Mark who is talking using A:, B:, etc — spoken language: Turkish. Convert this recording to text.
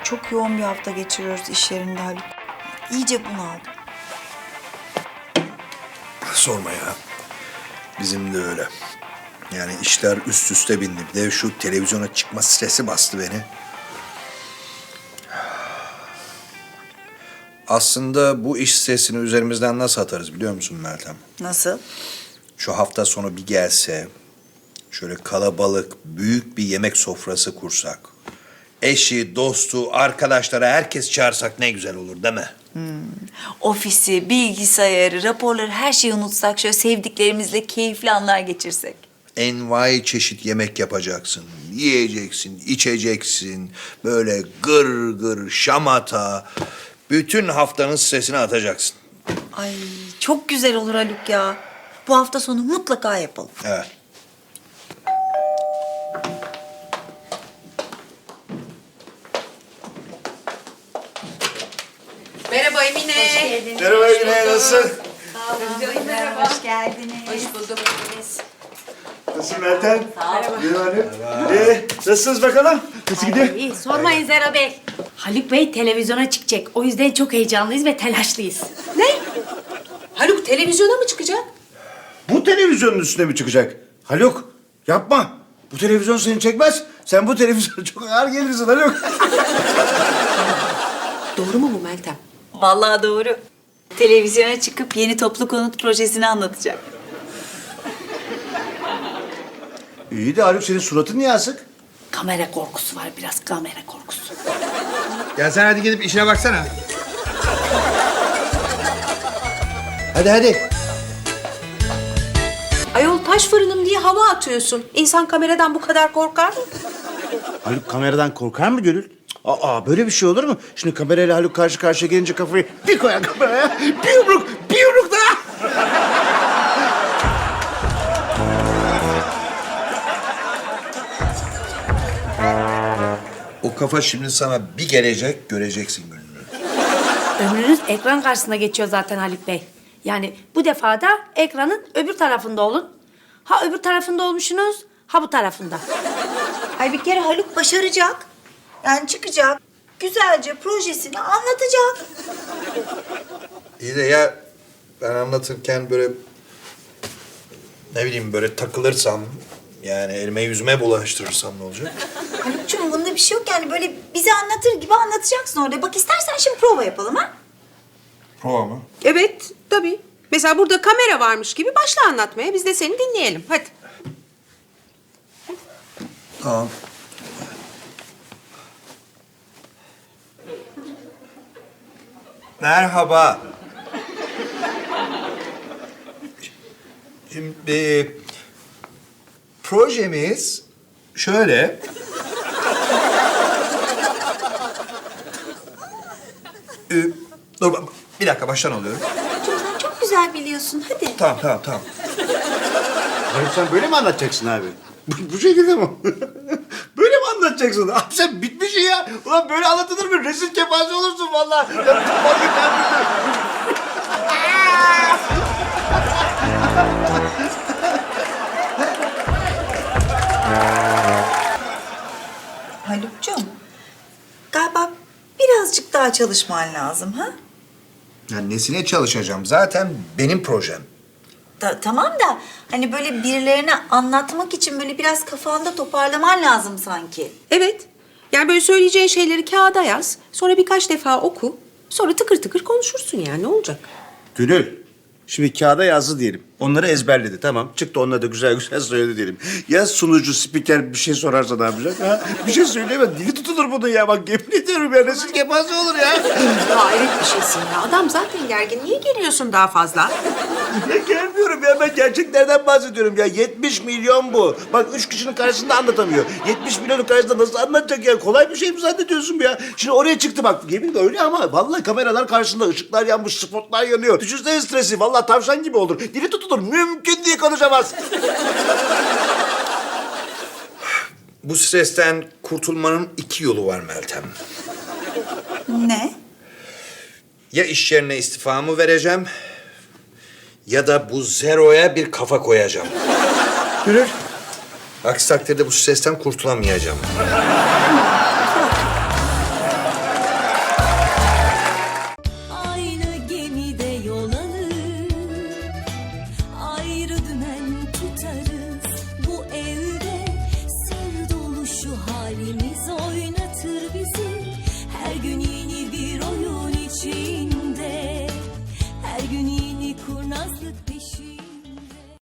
A: Çok yoğun bir hafta geçiriyoruz iş yerinde Haluk. İyice bunaldım.
B: Sorma ya. Bizim de öyle. Yani işler üst üste bindi. Bir de şu televizyona çıkma stresi bastı beni. Aslında bu iş stresini üzerimizden nasıl atarız biliyor musun Meltem?
A: Nasıl?
B: Şu hafta sonu bir gelse, şöyle kalabalık, büyük bir yemek sofrası kursak. Eşi, dostu, arkadaşları herkes çağırsak ne güzel olur değil mi?
A: Ofisi, bilgisayarı, raporları her şeyi unutsak, şöyle sevdiklerimizle keyifli anlar geçirsek.
B: Envai çeşit yemek yapacaksın, yiyeceksin, içeceksin. Böyle gır gır, şamata. Bütün haftanın stresini atacaksın.
A: Ay çok güzel olur Haluk ya. Bu hafta sonu mutlaka yapalım.
B: Evet.
C: Merhaba Emine.
B: Merhaba Güney, nasılsın?
A: Merhaba. Hoş geldiniz.
C: Hoş bulduk.
D: Nasılsın Meltem? Merhaba. Nasılsınız bakalım? Nasıl gidiyor?
E: İyi, sormayın Zera Bey. Haluk Bey televizyona çıkacak. O yüzden çok heyecanlıyız ve telaşlıyız.
C: Ne? Haluk televizyona mı çıkacak?
D: Bu televizyonun üstüne mi çıkacak? Haluk, yapma. Bu televizyon seni çekmez. Sen bu televizyona çok ağır gelirsin Haluk.
C: Doğru mu bu Meltem?
A: Vallahi doğru. Televizyona çıkıp yeni toplu konut projesini anlatacak.
D: İyi de Haluk, senin suratın niye asık?
E: Kamera korkusu var biraz, kamera korkusu.
B: Ya sen hadi gidip işine baksana.
D: Hadi.
C: Ayol taş fırınım diye hava atıyorsun. İnsan kameradan bu kadar korkar mı?
D: Haluk kameradan korkar mı Gönül? Aa, böyle bir şey olur mu? Şimdi kamerayla Haluk karşı karşıya gelince kafayı bir koyar kameraya. Bir yumruk daha.
B: O kafa şimdi sana bir gelecek, göreceksin gününü.
E: Ömrünüz ekran karşısında geçiyor zaten Haluk Bey. Yani bu defa da ekranın öbür tarafında olun. Ha öbür tarafında olmuşsunuz, ha bu tarafında.
A: Ay bir kere Haluk başaracak. Yani çıkacak. Güzelce projesini anlatacak.
B: İyi de ya ben anlatırken böyle ne bileyim böyle takılırsam yani elime yüzüme bulaştırırsam ne olacak?
A: Haluk'cum bunda bir şey yok yani böyle bize anlatır gibi anlatacaksın orada. Bak istersen şimdi prova yapalım ha.
B: Prova mı?
C: Evet, tabii. Mesela burada kamera varmış gibi başla anlatmaya. Biz de seni dinleyelim. Hadi.
B: Tamam. Merhaba. Şimdi projemiz şöyle. Dur bir dakika baştan alıyorum.
A: Haluk'cum sen çok güzel biliyorsun hadi.
B: Tamam.
D: Haluk sen böyle mi anlatacaksın abi? Bu şekilde mi? Böyle mi anlatacaksın? Abi sen bitmişsin ya. Ulan böyle anlatılır mı? Rezil kepaze olursun vallahi. Ya, vallahi
A: Haluk'cum galiba birazcık daha çalışman lazım ha?
B: Ya nesine çalışacağım? Zaten benim projem.
A: Tamam da hani böyle birilerine anlatmak için böyle biraz kafanda toparlaman lazım sanki.
C: Evet. Yani böyle söyleyeceğin şeyleri kağıda yaz. Sonra birkaç defa oku. Sonra tıkır tıkır konuşursun yani. Ne olacak?
D: Gönül, şimdi kağıda yazdı diyelim. Onları ezberledi, tamam. Çıktı onları da güzel güzel söyledi diyelim. Ya sunucu, spiker bir şey sorarsa ne yapacak? Ha? Bir şey söyleyemez. Dili tutulur bunun ya. Bak yemin ediyorum ya. Rezil kepaze olur ya.
C: Hayret bir şeysin ya. Adam zaten gergin. Niye geliyorsun daha fazla?
D: Ya gelmiyorum ya. Ben gerçeklerden bahsediyorum ya. 70 milyon bu. Bak 3 kişinin karşısında anlatamıyor. 70 milyonun karşısında nasıl anlatacak ya? Kolay bir şey mi zannediyorsun ya? Şimdi oraya çıktı bak. Yemin de öyle ama vallahi kameralar karşısında ışıklar yanmış, spotlar yanıyor. Düşünsene stresi. Vallahi tavşan gibi olur. Dili tutulur. Mümkün diye konuşamaz.
B: Bu stresten kurtulmanın 2 yolu var Meltem.
A: Ne?
B: Ya iş yerine istifamı vereceğim ya da bu zeroya bir kafa koyacağım.
D: Gönül.
B: Aksi takdirde bu stresten kurtulamayacağım.